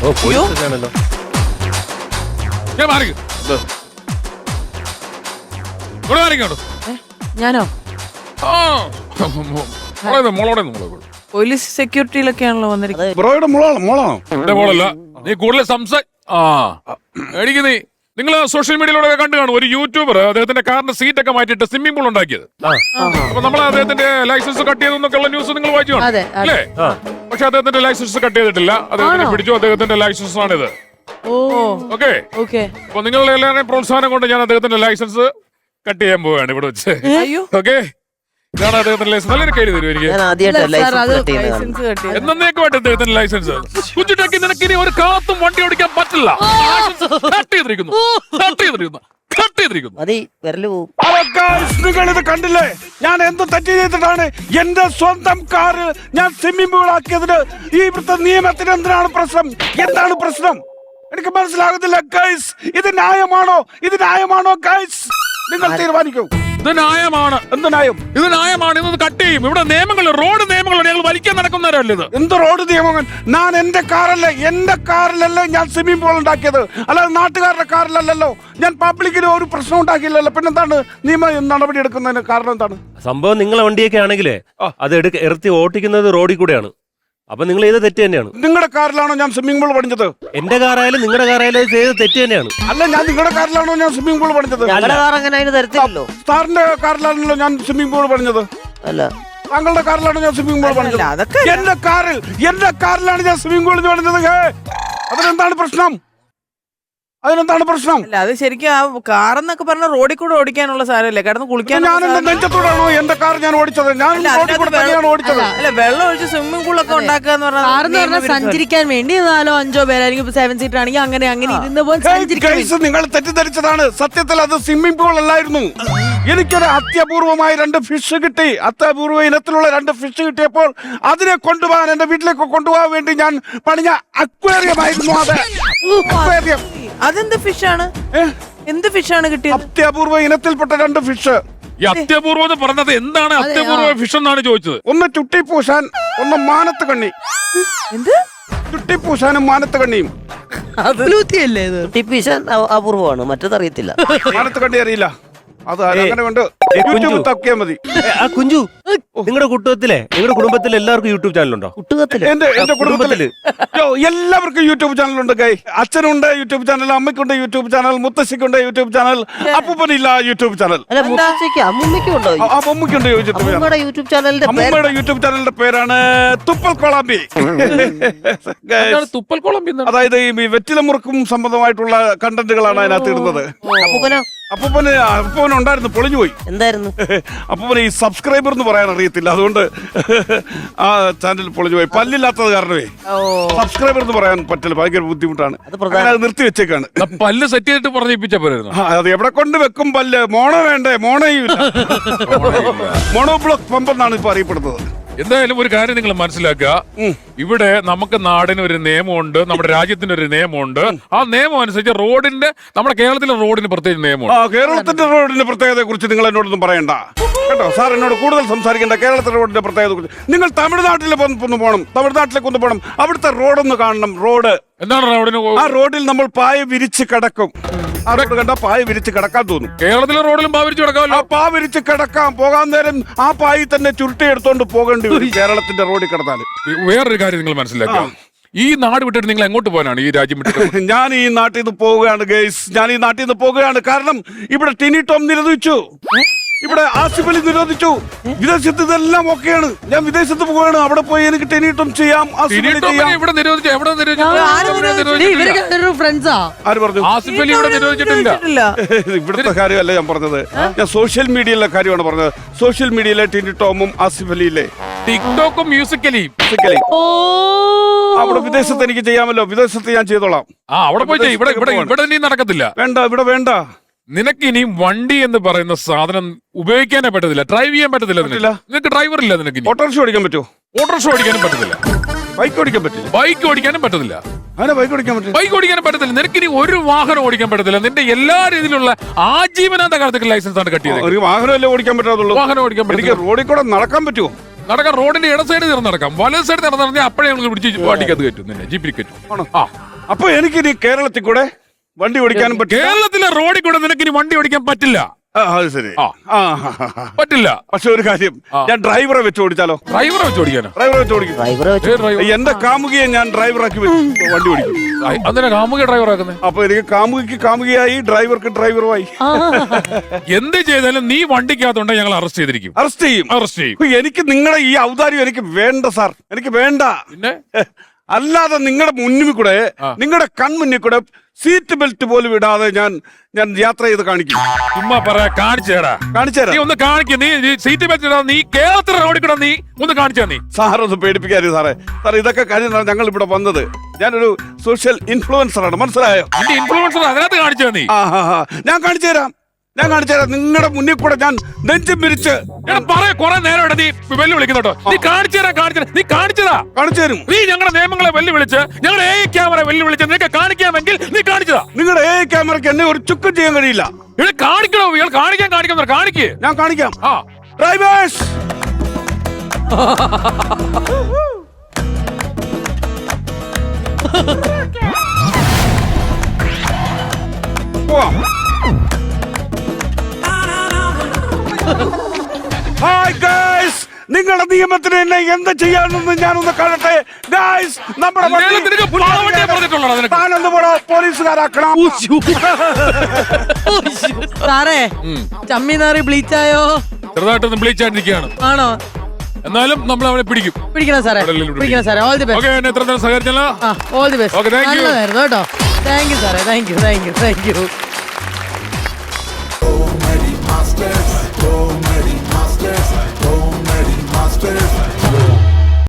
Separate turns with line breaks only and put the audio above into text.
ഞാനോ പോലീസ് സെക്യൂരിറ്റിയിലൊക്കെയാണല്ലോ വന്നിരിക്കുന്നത്.
ബ്രോയുടെ മോളാണോ?
നീ കൂടുതൽ എനിക്ക് നീ നിങ്ങൾ സോഷ്യൽ മീഡിയയിലൂടെ കണ്ടു കാണും. ഒരു യൂട്യൂബർ അദ്ദേഹത്തിന്റെ കാറിന്റെ സീറ്റ് ഒക്കെ മാറ്റിയിട്ട് സ്വിമ്മിംഗ് പൂൾ ഉണ്ടാക്കിയത്. അപ്പൊ നമ്മൾ അദ്ദേഹത്തിന്റെ ലൈസൻസ് കട്ട് ചെയ്തെന്നൊക്കെയുള്ള ന്യൂസ് നിങ്ങൾ വായിച്ചു കാണും അല്ലേ? പക്ഷെ അദ്ദേഹത്തിന്റെ ലൈസൻസ് കട്ട് ചെയ്തിട്ടില്ല. അദ്ദേഹത്തിന് പിടിച്ചു. അദ്ദേഹത്തിന്റെ ലൈസൻസ് ആണിത്. ഓക്കെ. അപ്പൊ നിങ്ങളുടെ എല്ലാവരുടെയും പ്രോത്സാഹനം കൊണ്ട് ഞാൻ അദ്ദേഹത്തിന്റെ ലൈസൻസ് കട്ട് ചെയ്യാൻ പോവുകയാണ് ഇവിടെ വെച്ച്. ഓക്കെ, ഇതാണ് അദ്ദേഹത്തിന്റെ ലൈസൻസ്. നല്ലൊരു കയറി തരും എനിക്ക്. എന്നേക്കുമായിട്ട് അദ്ദേഹത്തിന്റെ ലൈസൻസ്. കുഞ്ഞുട്ടാക്കി നിനക്ക് ഇനി ഒരു കാലത്തും വണ്ടി ഓടിക്കാൻ പറ്റില്ല.
നിങ്ങൾ ഇത് കണ്ടില്ലേ? ഞാൻ എന്ത് തെറ്റ് ചെയ്തിട്ടാണ് എന്റെ സ്വന്തം കാറ് ഞാൻ സ്വിമ്മിംഗ് പൂൾ ആക്കിയതിന് ഈ ഇവിടുത്തെ നിയമത്തിന് എന്തിനാണ് പ്രശ്നം? എന്താണ് പ്രശ്നം? എനിക്ക് മനസ്സിലാകുന്നില്ല ഗൈസ്. ഇത് ന്യായമാണോ ഗൈസ്? നിങ്ങൾ തീരുമാനിക്കൂ.
ഇത് ന്യായമാണ്.
എന്ത് ന്യായം?
ഇത് ന്യായമാണ്. ഇത് കട്ട് ചെയ്യും. ഇവിടെ നിയമങ്ങൾ, റോഡ് നിയമങ്ങളുണ്ട്. ഞങ്ങൾ വലിക്കാൻ നടക്കുന്നവരല്ലേ ഇത്?
എന്ത് റോഡ് നിയമങ്ങൾ? ഞാൻ എന്റെ കാറിലല്ലേ ഞാൻ സ്വിമ്മിംഗ് പൂൾ ഉണ്ടാക്കിയത്, അല്ലാതെ നാട്ടുകാരുടെ കാറിലല്ലോ. ഞാൻ പബ്ലിക്കിന് ഒരു പ്രശ്നം ഉണ്ടാക്കിയില്ലല്ലോ. പിന്നെന്താണ് നിയമ നടപടി എടുക്കുന്നതിന് കാരണം? എന്താണ്
സംഭവം? നിങ്ങളെ വണ്ടിയൊക്കെ ആണെങ്കിലേ അത് ഇറത്തി ഓട്ടിക്കുന്നത് റോഡിൽ കൂടെയാണ്. അപ്പൊ നിങ്ങൾ ചെയ്ത തെറ്റ് തന്നെയാണ്.
നിങ്ങളുടെ കാറിലാണോ ഞാൻ സ്വിമ്മിംഗ് പൂൾ പണിഞ്ഞത്?
എന്റെ കാറായാലും നിങ്ങളുടെ കാറായാലും ചെയ്ത തെറ്റ് തന്നെയാണ്.
അല്ല, ഞാൻ നിങ്ങളുടെ കാറിലാണോ ഞാൻ സ്വിമ്മിംഗ് പൂൾ പണിഞ്ഞത്? സാറിന്റെ കാറിലാണല്ലോ ഞാൻ സ്വിമ്മിംഗ് പൂൾ പണിഞ്ഞത്. അല്ല, താങ്കളുടെ കാറിലാണോ ഞാൻ സ്വിമ്മിംഗ് പൂൾ പണിഞ്ഞത്? എന്റെ കാറിലാണ് ഞാൻ സ്വിമ്മിംഗ് പൂൾ പണിഞ്ഞത്. അതിനെന്താണ് പ്രശ്നം?
അല്ല, അത് ശരിക്കും ആ കാറെന്നൊക്കെ പറഞ്ഞ റോഡിൽ കൂടെ ഓടിക്കാനുള്ള സാധനമല്ലേ? കിടന്ന് കുളിക്കാൻ.
നെഞ്ചത്തോടാണോ എന്റെ കാർ ഞാൻ ഓടിച്ചത്?
അല്ല, വെള്ളം ഒഴിച്ച് സ്വിമ്മിംഗ് പൂളൊക്കെ ഉണ്ടാക്കുക എന്ന് പറഞ്ഞാൽ സഞ്ചരിക്കാൻ വേണ്ടി 4-5 പേരായിരിക്കും. 7 സീറ്റർ ആണെങ്കിൽ അങ്ങനെ ഇരുന്ന് പോലെ
നിങ്ങൾ തെറ്റിദ്ധരിച്ചതാണ്. സത്യത്തിൽ അത് സ്വിമ്മിംഗ് പൂൾ അല്ലായിരുന്നു. എനിക്കൊരു അത്യപൂർവമായ 2 ഫിഷ് കിട്ടി. അത്യപൂർവ ഇനത്തിലുള്ള 2 ഫിഷ് കിട്ടിയപ്പോൾ അതിനെ കൊണ്ടുപോകാൻ, എന്റെ വീട്ടിലേക്ക് കൊണ്ടുപോകാൻ വേണ്ടി ഞാൻ പണിഞ്ഞ അക്വേറിയം ആയിരുന്നു അത്. അക്വേറിയം.
അതെന്ത് ഫിഷാണ്? എന്ത് ഫിഷാണ് കിട്ടിയത്?
അത്യപൂർവ ഇനത്തിൽപ്പെട്ട 2 ഫിഷ്.
ഈ അത്യപൂർവം പറഞ്ഞത് എന്താണ്? അത്യപൂർവ ഫിഷ് എന്നാണ് ചോദിച്ചത്.
ഒന്ന് ചുട്ടിപ്പൂശാൻ, ഒന്ന് മാനത്ത് കണ്ണി.
എന്ത്?
ചുട്ടിപ്പൂശാനും മാനത്ത് കണ്ണിയും.
ചുട്ടിപ്പൂശാൻ അപൂർവമാണ്, മറ്റേതറിയത്തില്ല.
മാനത്ത് കണ്ണി അറിയില്ല. അത് അങ്ങനെ കൊണ്ട് യൂട്യൂബ് തപ്പിയാൽ മതി.
കുഞ്ചു, നിങ്ങളുടെ കുടുംബത്തിലെ എല്ലാവർക്കും യൂട്യൂബ് ചാനലുണ്ടോ?
എന്റെ കുടുംബത്തില് എല്ലാവർക്കും യൂട്യൂബ് ചാനലുണ്ട്. അച്ഛനുണ്ട് യൂട്യൂബ് ചാനൽ, അമ്മയ്ക്കുണ്ട് യൂട്യൂബ് ചാനൽ, മുത്തശ്ശിക്കുണ്ട് യൂട്യൂബ് ചാനൽ, അപ്പൂപ്പനില്ല യൂട്യൂബ് ചാനൽ.
അമ്മൂമ്മയ്ക്കുണ്ട് യൂട്യൂബ് ചാനൽ.
അമ്മൂമ്മയുടെ യൂട്യൂബ് ചാനലിന്റെ പേരാണ് തുപ്പൽ കൊളാമ്പി.
തുപ്പൽ കൊളാമ്പി
അതായത് ഈ വെറ്റില മുറുക്കും സംബന്ധമായിട്ടുള്ള കണ്ടന്റുകളാണ് അതിനകത്ത് ഇടുന്നത്. അപ്പൂപ്പന് ഉണ്ടായിരുന്നു, പൊളിഞ്ഞു പോയി.
എന്തായിരുന്നു
അപ്പൂപ്പന് ഈ സബ്സ്ക്രൈബർ എന്ന് പറയാൻ അറിയത്തില്ല, അതുകൊണ്ട് ആ ചാനൽ പൊളിഞ്ഞു പോയി. പല്ലില്ലാത്തത് കാരണമേ സബ്സ്ക്രൈബർ എന്ന് പറയാൻ പറ്റില്ല, ഭയങ്കര ബുദ്ധിമുട്ടാണ്. അത് നിർത്തി വെച്ചേക്കാണ്.
പല്ല് സെറ്റ് ചെയ്തിട്ട് പറഞ്ഞിപ്പിച്ച പോരായിരുന്നു.
അത് എവിടെ കൊണ്ട് വെക്കും പല്ല്? മോണോ വേണ്ടേ? മോണയും മോണോ ബ്ലോക്ക് പമ്പ് എന്നാണ് ഇപ്പൊ അറിയപ്പെടുന്നത്.
എന്തായാലും ഒരു കാര്യം നിങ്ങൾ മനസ്സിലാക്കുക. ഇവിടെ നമുക്ക് നാടിന് ഒരു നിയമമുണ്ട്, നമ്മുടെ രാജ്യത്തിന് ഒരു നിയമമുണ്ട്. ആ നിയമം അനുസരിച്ച് റോഡിന്റെ, നമ്മുടെ കേരളത്തിലെ റോഡിന് പ്രത്യേക നിയമമുണ്ട്.
കേരളത്തിന്റെ റോഡിന്റെ പ്രത്യേകതയെ കുറിച്ച് നിങ്ങൾ എന്നോടൊന്നും പറയണ്ട കേട്ടോ. സാർ എന്നോട് കൂടുതൽ സംസാരിക്കേണ്ട. കേരളത്തിലെ റോഡിന്റെ പ്രത്യേകതയെ കുറിച്ച് നിങ്ങൾ തമിഴ്നാട്ടിലേക്ക് ഒന്ന് പോകണം. അവിടുത്തെ റോഡൊന്ന് കാണണം. റോഡ്
എന്താണ്? റോഡിന്
ആ റോഡിൽ നമ്മൾ പായ വിരിച്ച് കിടക്കും. അവിടെ കണ്ട പായ വിരിച്ച് കിടക്കാൻ തോന്നും.
കേരളത്തിലെ റോഡിലും പായ വിരിച്ച് കിടക്കാമല്ലോ.
പാ വിരിച്ച് കിടക്കാം. പോകാൻ നേരം ആ പായി തന്നെ ചുരുട്ടി എടുത്തോണ്ട് പോകേണ്ടി വരും കേരളത്തിന്റെ റോഡിൽ കിടന്നാല്.
വേറൊരു കാര്യം നിങ്ങൾ മനസ്സിലാക്കാം. ഈ നാട് വിട്ടിട്ട് നിങ്ങൾ എങ്ങോട്ട് പോകാനാണ്? ഈ രാജ്യം വിട്ടിട്ട്
ഞാൻ ഈ നാട്ടിൽ നിന്ന് പോവുകയാണ് ഗൈസ്. ഞാൻ ഈ നാട്ടിൽ നിന്ന് പോവുകയാണ്. കാരണം ഇവിടെ ടിനി ടോം നിരോധിച്ചു, ഇവിടെ ആസിഫ് അലി നിരോധിച്ചു. വിദേശത്ത് ഇതെല്ലാം ഓക്കെയാണ്. ഞാൻ വിദേശത്ത് പോവുകയാണ്. അവിടെ പോയി എനിക്ക് ടിനി ടോം ചെയ്യാം, ആസിഫ് അലി ചെയ്യാം. ആര് പറഞ്ഞു?
ആസിഫ് അലി ഇവിടെ നിരോധിച്ചിട്ടില്ല.
ഇവിടുത്തെ കാര്യമല്ല ഞാൻ പറഞ്ഞത്. ഞാൻ സോഷ്യൽ മീഡിയയിലെ കാര്യമാണ് പറഞ്ഞത്. സോഷ്യൽ മീഡിയയിലെ ടിനി ടോമും ആസിഫ് അലിയിലെ
ടിക്ടോക്കും മ്യൂസിക്കലി
അവിടെ വിദേശത്ത് എനിക്ക് ചെയ്യാമല്ലോ. വിദേശത്ത് ഞാൻ ചെയ്തോളാം.
അവിടെ പോയി ഇവിടെ നീ നടക്കത്തില്ല.
വേണ്ട, ഇവിടെ വേണ്ട.
നിനക്ക് ഇനി വണ്ടി എന്ന് പറയുന്ന സാധനം ഉപയോഗിക്കാനേ പറ്റത്തില്ല, ഡ്രൈവ് ചെയ്യാൻ പറ്റത്തില്ല. നിനക്ക് ഡ്രൈവർ ഇല്ല. നിനക്ക്
ഓട്ടോറിക്ഷ ഓടിക്കാൻ പറ്റുമോ?
ഓട്ടോറിക്ഷ ഓടിക്കാനും പറ്റത്തില്ല.
ബൈക്ക് ഓടിക്കാൻ പറ്റില്ല.
ബൈക്ക് ഓടിക്കാനും പറ്റത്തില്ല.
ബൈക്ക്
ഓടിക്കാനും പറ്റത്തില്ല. നിനക്ക് ഇനി ഒരു വാഹനം ഓടിക്കാൻ പറ്റത്തില്ല. നിന്റെ എല്ലാ രീതിയിലുള്ള ആജീവനാന്ത കാലത്തേക്ക് ലൈസൻസ് ആണ് കട്ടിയത്.
ഒരു വാഹനമല്ലേ ഓടിക്കാൻ പറ്റാത്തുള്ളൂ.
വാഹനം ഓടിക്കാൻ പറ്റില്ല.
റോഡിൽ കൂടെ നടക്കാൻ പറ്റുമോ?
നടക്കാം, റോഡിന്റെ ഇട സൈഡിൽ നിന്ന് നടക്കാം, വലത് സൈഡിൽ നിന്ന് നടന്നാൽ അപ്പോഴേ ഞങ്ങൾ പിടിച്ച് വണ്ടിക്കകത്ത് കയറ്റും, നിന്നെ ജീപ്പിൽ കയറ്റും.
ആണോ? അപ്പൊ എനിക്കിനി കേരളത്തിൽ കൂടെ വണ്ടി ഓടിക്കാനും പറ്റും.
കേരളത്തിലെ റോഡിൽ കൂടെ നിനക്ക് ഇനി വണ്ടി ഓടിക്കാൻ പറ്റില്ല.
അത് ശരി.
പറ്റില്ല.
പക്ഷെ ഒരു കാര്യം, ഞാൻ ഡ്രൈവറെ വെച്ച് ഓടിച്ചാലോ?
ഡ്രൈവറെ വെച്ച് ഓടിക്കാനോ?
ഡ്രൈവറെ വെച്ച് ഓടിക്കും. എന്റെ കാമുകിയെ ഞാൻ ഡ്രൈവറാക്കി വണ്ടി ഓടിക്കും.
അതിനെ കാമുക ഡ്രൈവർ ആക്കുന്നത്?
അപ്പൊ എനിക്ക് കാമുകിക്ക് കാമുകിയായി, ഡ്രൈവർക്ക് ഡ്രൈവറുമായി.
എന്ത് ചെയ്താലും നീ വണ്ടിക്കകത്തുണ്ടെങ്കിൽ ഞങ്ങൾ അറസ്റ്റ് ചെയ്തിരിക്കും.
അറസ്റ്റ് ചെയ്യും. എനിക്ക് നിങ്ങളുടെ ഈ ഔദാര്യം എനിക്ക് വേണ്ട സാർ, എനിക്ക് വേണ്ട.
പിന്നെ
അല്ലാതെ നിങ്ങളുടെ മുന്നിൽ കൂടെ, നിങ്ങളുടെ കൺമുന്നിൽ കൂടെ സീറ്റ് ബെൽറ്റ് പോലും ഇടാതെ ഞാൻ യാത്ര ചെയ്ത് കാണിക്കും.
ചുമ്മാ പറയാ, കാണിച്ചേടാ. നീ ഒന്ന് കാണിക്കും. നീ സീറ്റ് ബെൽറ്റ് ഇടാതെ നീ കേരളത്തിലെ റോഡിൽ കൂടെ നീ ഒന്ന് കാണിച്ചാ. നീ
സാറൊന്ന് പേടിപ്പിക്കാതെ സാറേ. സാർ ഇതൊക്കെ കഴിഞ്ഞാണ് ഞങ്ങൾ ഇവിടെ വന്നത്. ഞാനൊരു സോഷ്യൽ ഇൻഫ്ലുവൻസർ ആണ്, മനസ്സിലായോ?
നിന്റെ ഇൻഫ്ലുവൻസർ അതിനകത്ത് കാണിച്ചാ. നീ
ഞാൻ കാണിച്ചു തരാം. നിങ്ങളുടെ മുന്നിൽ കൂടെ ഞാൻ നെഞ്ചും പിരിച്ച്
കുറെ നേരം നീ വെല്ലുവിളിക്കുന്നുണ്ടോ? നീ കാണിച്ചതാ.
കാണിച്ചു തരും.
നീ ഞങ്ങളുടെ നിയമങ്ങളെ വെല്ലുവിളിച്ച്, ഞങ്ങളുടെ AI ക്യാമറ വെല്ലുവിളിച്ച് നിനക്ക് കാണിക്കാമെങ്കിൽ നീ കാണിച്ചതാ.
നിങ്ങളുടെ AI ക്യാമറയ്ക്ക് എന്നെ ഒരു ചുക്കും ചെയ്യാൻ കഴിയില്ല.
കാണിക്കണോ? ഇയാൾ കാണിക്ക്.
ഞാൻ കാണിക്കാം. ഡ്രൈവേഴ്സ്, പോവാം. ഹായ് ഗൈസ്, നിങ്ങളുടെ നിയമത്തിന് എന്നെ എന്ത് ചെയ്യാനെന്ന് ഞാനൊന്ന് കാണട്ടെ. ഗൈസ്, നമ്മുടെ പോലീസുകാരാക്കണം.
സാറേ, ചമ്മിനാറി ബ്ലീച്ചായോ?
ചെറുതായിട്ടൊന്ന് ബ്ലീച്ച് ആയിട്ടിരിക്കുകയാണ്.
ആണോ?
എന്നാലും നമ്മൾ അവനെ
പിടിക്കണം സാറേ. All the best.
എത്ര നേരം സഹകരിച്ചല്ലോ.
All the best.
നല്ലതായിരുന്നു
കേട്ടോ. താങ്ക് യു സാറേ. Thank you.
Comedy Masters.